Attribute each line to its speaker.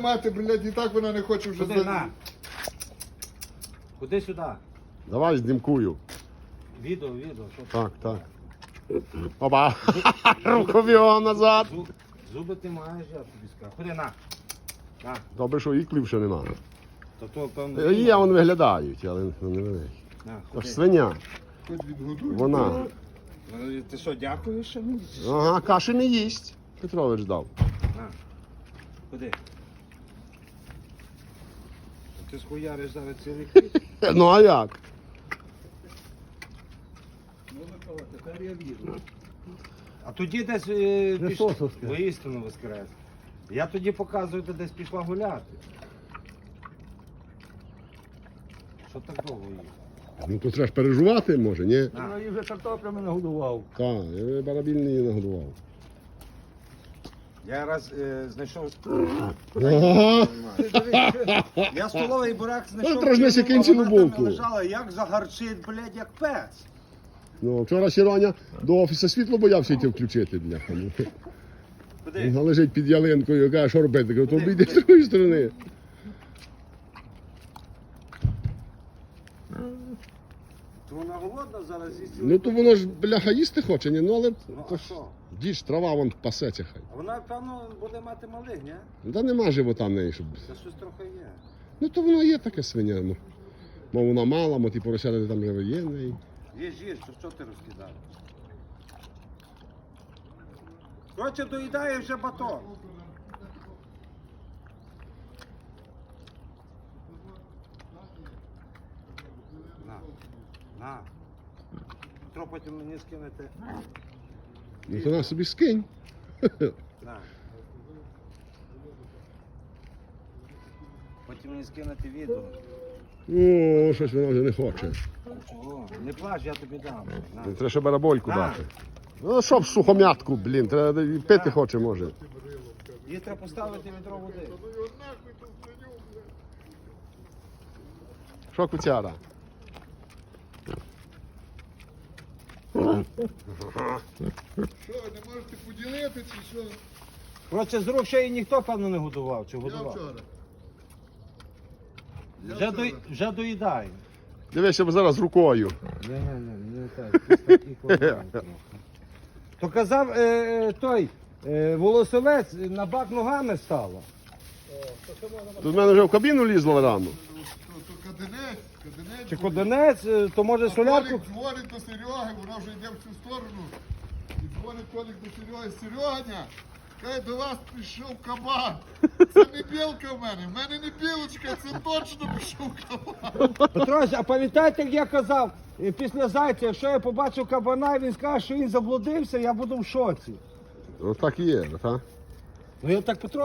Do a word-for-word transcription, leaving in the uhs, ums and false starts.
Speaker 1: мати, блядь, і так вона не хоче вже...
Speaker 2: Куди, на? Куди сюди?
Speaker 3: Давай знімкую.
Speaker 2: Відео, відео. Що
Speaker 3: Так, так. Опа! Рукав'я назад.
Speaker 2: Зуб, зуби ти маєш, я тобі скажу. Ходи, на. На.
Speaker 3: Добре, що іклів ще нема.
Speaker 2: То то, певно...
Speaker 3: Є, вони виглядають, але не великі.
Speaker 2: На,
Speaker 3: Аж
Speaker 2: ходи.
Speaker 3: свиня.
Speaker 1: Хоч відгодуй.
Speaker 3: Вона.
Speaker 2: Ну, ти що, дякуєш? ще мені?
Speaker 3: Ага, каші не їсть. Петрович дав.
Speaker 2: На. Ходи. Ти схуяриш зараз цілий хліб.
Speaker 3: Ну а як?
Speaker 2: Ну, Микола, тепер я вірю. А тоді десь е, піш... воістину воскрес. Я тоді показую, ти десь пішла гуляти. Що так довго їх?
Speaker 3: Ну то треба ж переживати, може, ні?
Speaker 2: На.
Speaker 4: Я вже картоплями нагодував.
Speaker 3: Так, я барабільний її нагодував.
Speaker 2: Я раз е, знайшов.
Speaker 3: Ага.
Speaker 2: Ти дивись, я столовий бурак знайшов.
Speaker 3: Ну, трошки
Speaker 2: кинув, а
Speaker 3: кінчили
Speaker 2: вона там
Speaker 3: булку.
Speaker 2: лежала, як загарчить, блядь, як пес.
Speaker 3: Ну, вчора Сіроня до офісу світло боявся йти включити, бляха. Ну.
Speaker 2: Куди?
Speaker 3: Вона лежить під ялинкою, каже, що робити? Кажу, то обійди з другої сторони.
Speaker 2: То вона голодна зараз їсть.
Speaker 3: Ну то воно ж, бляха, їсти хоче, ні? Ну але
Speaker 2: Ну, а що?
Speaker 3: діж, трава вон пасеться хай.
Speaker 2: А вона, певно, буде мати малих, ні?
Speaker 3: Ну, та нема живота в неї, щоб...
Speaker 2: Це щось трохи є.
Speaker 3: Ну то воно є таке свиня, ну. Мов вона мала, мо ті поросята там вже є в неї.
Speaker 2: Їж, їж, то що ти розкидаєш? Коротше, доїдає вже батон. На, на. Петро, потім мені скинете.
Speaker 3: Ну то на собі скинь.
Speaker 2: На. Потім мені скинете відео.
Speaker 3: О, щось вона вже не хоче.
Speaker 2: Чого? Не плач, я тобі дам. На.
Speaker 3: Треба ще барабольку
Speaker 2: На.
Speaker 3: дати. Ну що в сухом'ятку, блін, треба і пити хоче, може.
Speaker 2: Їй треба поставити відро води.
Speaker 3: Що куцяра?
Speaker 1: Що, не можете поділити чи що?
Speaker 2: Коротше, з рук ще її ніхто, певно, не годував. Чи
Speaker 1: Я
Speaker 2: годував?
Speaker 1: вчора. Я
Speaker 2: Вже,
Speaker 1: вчора.
Speaker 2: до, вже доїдає.
Speaker 3: Дивися, бо зараз рукою.
Speaker 2: Ні, ні, ні, не так. Ти такий кладай трохи. То казав е, той е, волосовець, на бак ногами стало.
Speaker 3: Тут в мене вже в кабіну лізло рано.
Speaker 1: То, то каденець, каденець.
Speaker 2: Чи
Speaker 1: буде.
Speaker 2: кодинець, е, то може
Speaker 1: А
Speaker 2: солярку.
Speaker 1: Толік дзвонить до Сереги, вона вже йде в цю сторону. І дзвонить Толік до Сереги. Сереганя, каже, до вас прийшов кабан. Це не білка в мене, в мене не білочка, це точно прийшов кабан.
Speaker 2: Петрович, а пам'ятаєте, як я казав, е, після зайця, якщо я побачу кабана, і він скаже, що він заблудився, я буду в шоці.
Speaker 3: Ось так і є, так?
Speaker 2: Ну я так Петро.